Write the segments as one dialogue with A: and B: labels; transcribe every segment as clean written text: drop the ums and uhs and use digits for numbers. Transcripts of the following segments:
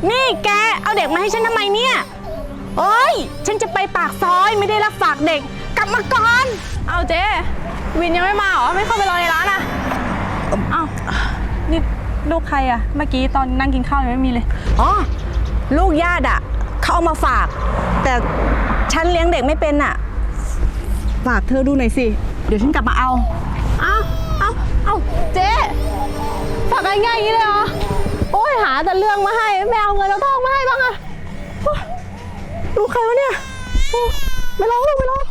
A: นี่แกเอาเด็กมาให้ฉันทำไมเนี่ยโอ้ยฉันจะไปปากซอยไม่ได้รับฝากเด็กกลับมาก่อน
B: เอาเจ๊วินยังไม่มาเหรอไม่เข้าไปรอในร้านอ่ะอ้าวนี่ลูกใครอ่ะเมื่อกี้ตอนนั่งกินข้าวยังไม่มีเลย
A: อ๋อลูกญาติอ่ะเขาเอามาฝากแต่ฉันเลี้ยงเด็กไม่เป็นอ่ะฝากเธอดูหน่อยสิเดี๋ยวฉันกลับมาเอา
B: เจ๊ฝากง่ายๆอย่างนี้เลยเหรอโอ้ยหาแต่เรื่องมาให้ไม่เอาเงินเอาทองมาให้บ้างอะ
A: ลูกใครวะเนี่ยไม่ร้องลูกไม่ร้อง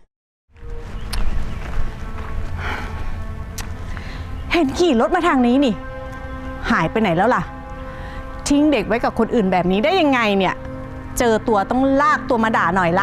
A: เห็นขี่รถมาทางนี้นี่หายไปไหนแล้วล่ะทิ้งเด็กไว้กับคนอื่นแบบนี้ได้ยังไงเนี่ยเจอตัวต้องลากตัวมาด่าหน่อยละ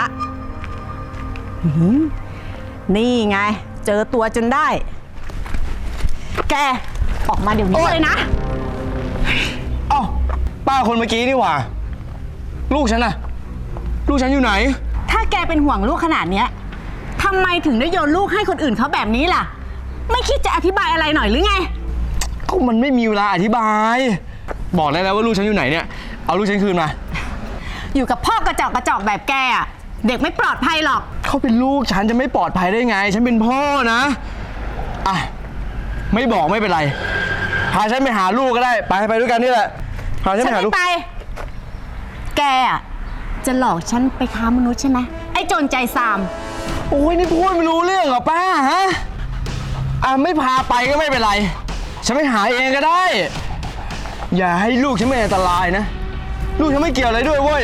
A: นี่ไงเจอตัวจนได้แกออกมาเดี๋ยวนี้เลยนะ
C: อ้าวป้าคนเมื่อกี้นี่หว่าลูกฉันน่ะลูกฉันอยู่ไหน
A: ถ้าแกเป็นห่วงลูกขนาดเนี้ยทำไมถึงได้โยนลูกให้คนอื่นเขาแบบนี้ล่ะไม่คิดจะอธิบายอะไรหน่อยหรือไง
C: ก็มันไม่มีเวลาอธิบายบอกได้แล้วว่าลูกฉันอยู่ไหนเนี่ยเอาลูกฉันคืนมา
A: อยู่กับพ่อกระจอกแบบแกอ่ะเด็กไม่ปลอดภัยหรอก
C: เขาเป็นลูกฉันจะไม่ปลอดภัยได้ไงฉันเป็นพ่อนะอ่ะไม่บอกไม่เป็นไรพาฉันไปหาลูกก็ได้ไปด้วยกันนี่แหละพาฉันไปหาลูก
A: ไปแกอ่ะจะหลอกฉันไปค้ามนุษย์ใช่ไหมไอ้โจรใจซาม
C: โอ้ยนี่พูดไม่รู้เรื่องเหรอป้าฮะไม่พาไปก็ไม่เป็นไรฉันไปหาเองก็ได้อย่าให้ลูกฉันเป็นอันตรายนะลูกฉันไม่เกี่ยวอะไรด้วยเว้ย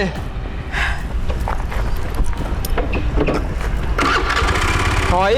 C: ถอย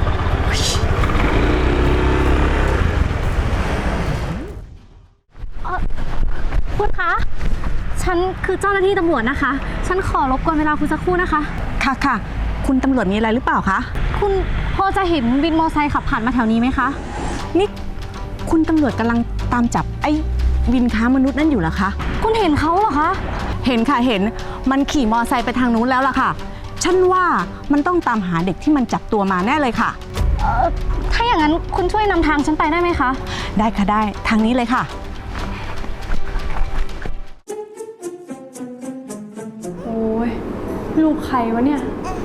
B: คุณคะฉันคือเจ้าหน้าที่ตำรวจนะคะฉันขอรบกวนเวลาคุณสักครู่นะคะ
A: ค่ะคุณตำรวจมีอะไรหรือเปล่าคะ
B: คุณพอจะเห็นวินมอไซค์ขับผ่านมาแถวนี้ไหมคะ
A: นี่คุณตำรวจกำลังตามจับไอ้วินค้ามนุษย์นั่นอยู่เหรอคะ
B: คุณเห็นเขาเหรอคะ
A: เห็นค่ะเห็นมันขี่มอไซค์ไปทางนู้นแล้วล่ะค่ะฉันว่ามันต้องตามหาเด็กที่มันจับตัวมาแน่เลยค่ะ
B: ถ้าอย่างนั้นคุณช่วยนำทางฉันไปได้ไหมคะ
A: ได้ค่ะได้ทางนี้เลยค่ะ
B: โอ้ยลูกใครวะเนี่ย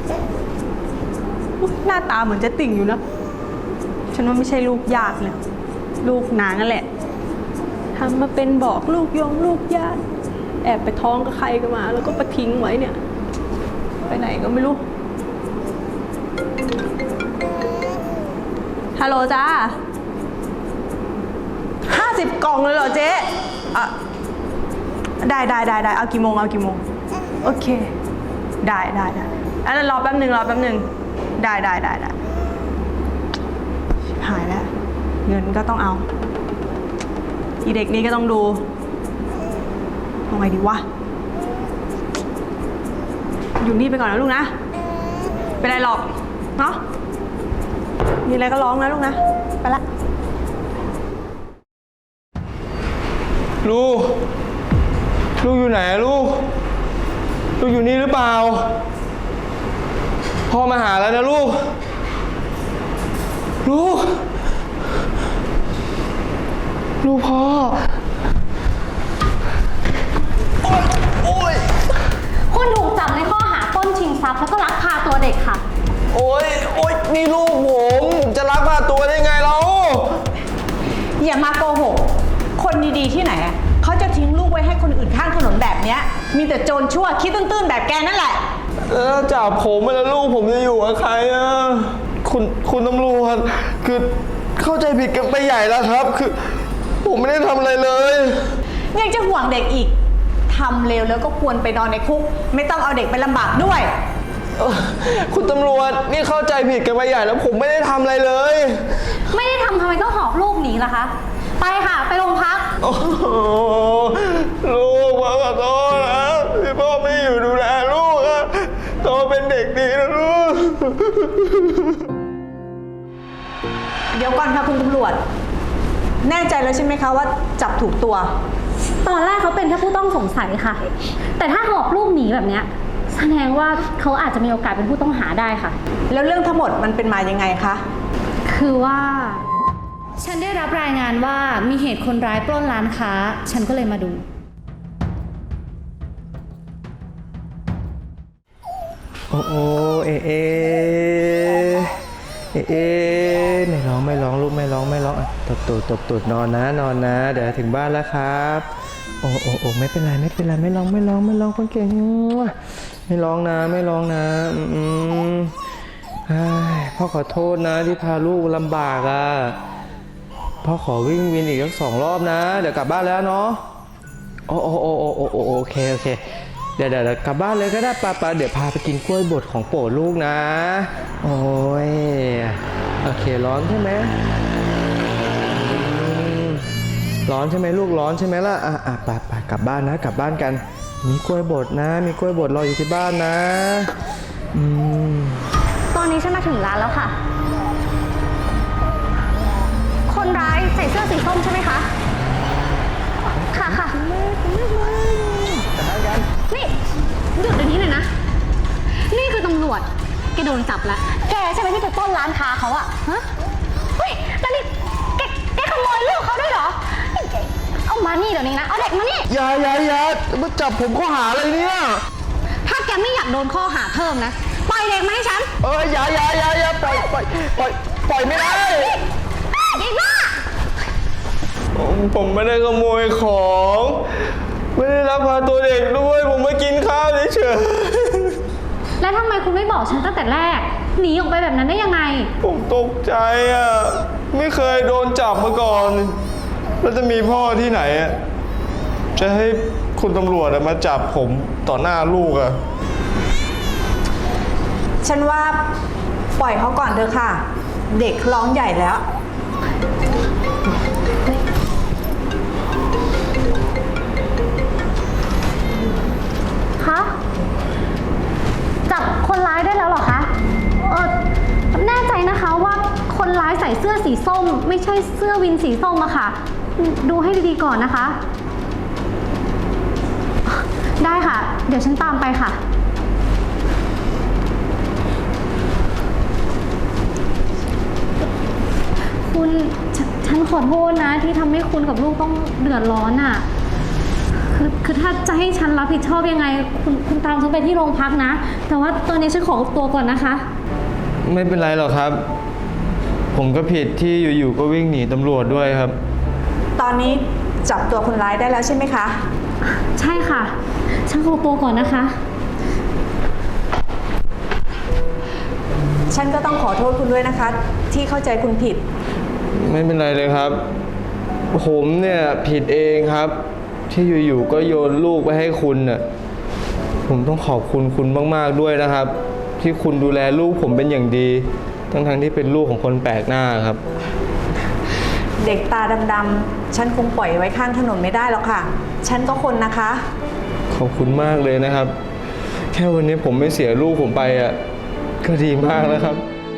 B: หน้าตาเหมือนจะติ่งอยู่นะฉันว่าไม่ใช่ลูกญาติเลยลูกนางนั่นแหละทำมาเป็นบอกลูกลูกญาติแอบไปท้องกับใครกันมาแล้วก็ไปทิ้งไว้เนี่ยไปไหนก็ไม่รู้ฮัลโหลจ้า
A: 50 กล่องเลยเหรอเจ๊ได้เอากี่โมงโอเคได้อันนั้นรอแป๊บหนึ่งได้หายแล้วเงินก็ต้องเอาอีเด็กนี้ก็ต้องดูเอาไงดีวะอยู่นี่ไปก่อนนะลูกนะเป็นไรหรอกเนาะมีอะไรก็ร้องนะลูกนะไปละ
C: ลูกอยู่ไหนลูกอยู่นี่หรือเปล่าพ่อมาหาแล้วนะลูกพ่อโอ๊ย
B: คุณถูกจับในข้อหาปล้นชิงทรัพย์แล้วก็ลักพาตัวเด็กค่ะ
C: โอ๊ยนี่ลูกผมจะลักพาตัวได้ไงเรา
A: อย่ามาโกหกคนดีๆที่ไหนเขาจะทิ้งลูกไว้ให้คนอื่นข้างถนนแบบเนี้ยมีแต่โจรชั่วคิดตื้นๆแบบแกนั่นแหละ
C: แล้วจับผมไปแล้วลูกผมจะอยู่กับใครคุณตำรวจคือเข้าใจผิดกันไปใหญ่แล้วครับคือผมไม่ได้ทำอะไรเลย
A: ยังจะห่วงเด็กอีกทำเลวแล้วก็ควรไปนอนในคุกไม่ต้องเอาเด็กไปลำบากด้วย
C: คุณตำรวจนี่เข้าใจผิดกันไปใหญ่แล้วผมไม่ได้ทำอะไรเลย
B: ไม่ได้ทำไมต้องหอบลูกหนีล่ะคะไปค่ะไปโรงพัก
C: ลูกพ่อขอโทษนะที่พ่อไม่อยู่ดูแลลูกอะโตเป็นเด็กดีนะลูก
A: เดี๋ยวก่อนค่ะคุณตำรวจแน่ใจแล้วใช่ไหมคะว่าจับถูกตัว
B: ตอนแรกเขาเป็นแค่ผู้ต้องสงสัยค่ะแต่ถ้าหอบลูกหนีแบบเนี้ยแสดงว่าเขาอาจจะมีโอกาสเป็นผู้ต้องหาได้ค่ะ
A: แล้วเรื่องทั้งหมดมันเป็นมายังไงคะ
B: คือว่าฉันได้รับรายงานว่ามีเหตุคนร้ายปล้นร้านค้าฉันก็เลยมาดู
C: โอ้โอเอเอเอเอไม่ร้องลูกไม่ร้องอ่ะตบตูดนอนนะเดี๋ยวถึงบ้านแล้วครับโอ้ไม่เป็นไรไม่ร้องคนเก่งไม่ร้องนะพ่อขอโทษนะที่พาลูกลำบากอ่ะพ่อขอวิ่งวินอีกสัก2 รอบนะเดี๋ยวกลับบ้านแล้วเนาะโอเคเดี๋ยวกลับบ้านเลยก็ได้ป้าเดี๋ยวพาไปกินกล้วยบดของโปรดลูกนะโอ้ยโอเคร้อนใช่ไหมร้อนใช่ไหมลูกร้อนใช่ไหมล่ะไปกลับบ้านนะกลับบ้านกันมีกล้วยบดนะมีกล้วยบดรออยู่ที่บ้านนะ
D: ตอนนี้ฉันมาถึงร้านแล้วค่ะ คนร้ายใส่เสื้อสีส้มใช่ไหมคะ ค่ะนี่หยุดเดี๋ยวนี้เลยนะ นี่คือตำรวจ แกโดนจับแล้ว แกใช่ไหมที่ไปปล้นร้านค้าเขาอะฮะ เฮ้ยแล้วนี่แกขโมยลูกเขาด้วยเหรอ เอามานี่เดี๋ยวนี้นะ เอาเด็กมานี่
C: อย่ามาจับผมข้อหาอะไรเนี่ย
D: ถ้าแกไม่อยากโดนข้อหาเพิ่มนะ ปล่อยเด็กมาให้ฉัน
C: อย่าปล่อยไม่ได้
D: อีบ้า
C: ผมไม่ได้ขโมยของไม่ได้ลักพาตัวเด็กด้วยผมมากินข้าวเฉย
D: แล้วทำไมคุณไม่บอกฉันตั้งแต่แรก หนีออกไปแบบนั้นได้ยังไง
C: ผมตกใจอ่ะไม่เคยโดนจับมาก่อนแล้วจะมีพ่อที่ไหนอ่ะจะให้คุณตำรวจมาจับผมต่อหน้าลูกอ่ะ
A: ฉันว่าปล่อยเขาก่อนเถอะค่ะ เด็กร้องใหญ่แล้ว
D: ฮะ จับคนร้ายได้แล้วเหรอคะ แน่ใจนะคะว่าคนร้ายใส่เสื้อสีส้ม ไม่ใช่เสื้อวินสีส้มอะค่ะ ดูให้ดีๆก่อนนะคะ ได้ค่ะ เดี๋ยวฉันตามไปค่ะ คุณฉันขอโทษนะที่ทำให้คุณกับลูกต้องเดือดร้อนอ่ะ คือถ้าจะให้ฉันรับผิดชอบยังไง คุณตามฉันไปที่โรงพักนะ แต่ว่าตอนนี้ฉันขอตัวก่อนนะคะ
C: ไม่เป็นไรหรอกครับ ผมก็ผิดที่อยู่ๆก็วิ่งหนีตำรวจด้วยครับ
A: ตอนนี้จับตัวคนร้ายได้แล้วใช่ไหมคะ
D: ใช่ค่ะ ฉันขอตัวก่อนนะคะ
A: ฉันก็ต้องขอโทษคุณด้วยนะคะ ที่เข้าใจคุณผิด
C: ไม่เป็นไรเลยครับ ผมเนี่ยผิดเองครับ ที่อยู่ๆก็โยนลูกไปให้คุณน่ะผมต้องขอบคุณคุณมากๆด้วยนะครับ ที่คุณดูแลลูกผมเป็นอย่างดีทั้งที่เป็นลูกของคนแปลกหน้าครับ
A: เด็กตาดำๆฉันคงปล่อยไว้ข้างถนนไม่ได้หรอกค่ะ ฉันก็คนนะคะ
C: ขอบคุณมากเลยนะครับ แค่วันนี้ผมไม่เสียลูกผมไปอ่ะก็ดีมากแล้วครับ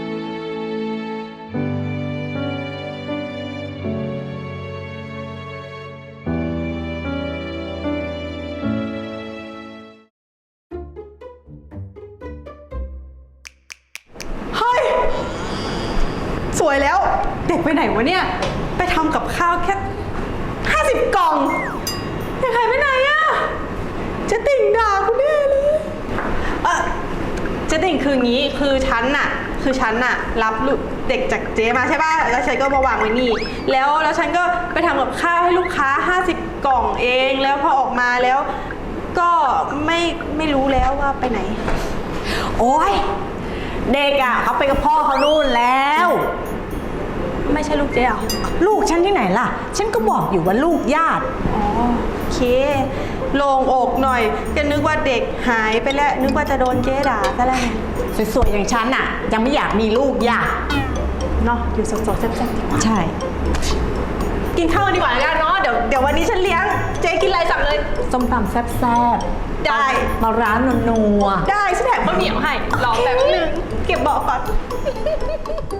B: เฮ้ย สวยแล้ว เด็กไปไหนวะเนี่ย ไปทำกับข้าวแค่50 กล่องเด็กหายไปไหนอะเจะติ่งด่ากูแน่เลยเจะติ่งคืองี้คือฉันน่ะรับลูกเด็กจากเจ๊มาใช่ป่ะแล้วฉันก็มาวางไว้นี่แล้วฉันก็ไปทำกับข้าวให้ลูกค้า50 กล่องเองแล้วพอออกมาแล้วก็ไม่รู้แล้วว่าไปไหน
A: โอ๊ย เด็กอ่ะเขาไปกับพ่อเขานู่นแล้ว
B: ไม่ใช่ลูกเจ๊เหรอ
A: ลูกฉันที่ไหนล่ะ ฉันก็บอกอยู่ว่าลูกญาติ
B: อ๋อโอเคโล่งอกหน่อยก็นึกว่าเด็กหายไปแล้วนึกว่าจะโดนเจ๊ด่าซะแล้วไง
A: สวยๆอย่างฉันอ่ะ ยังไม่อยากมีลูกญาติ
B: เนาะอยู่สดๆแซ่บๆดีกว่า
A: ใช่
B: กินข้าวกันดีกว่าแล้วกันเนาะเดี๋ยววันนี้ฉันเลี้ยงเจ๊กินอะไรสั่งเลย
A: ส้มตำแซ่บๆ
B: ได้
A: ปลาร้านัว
B: ได้ฉันแถมข้าวเหนียวให้รอแป๊บนึงเก็บเบาะก่อน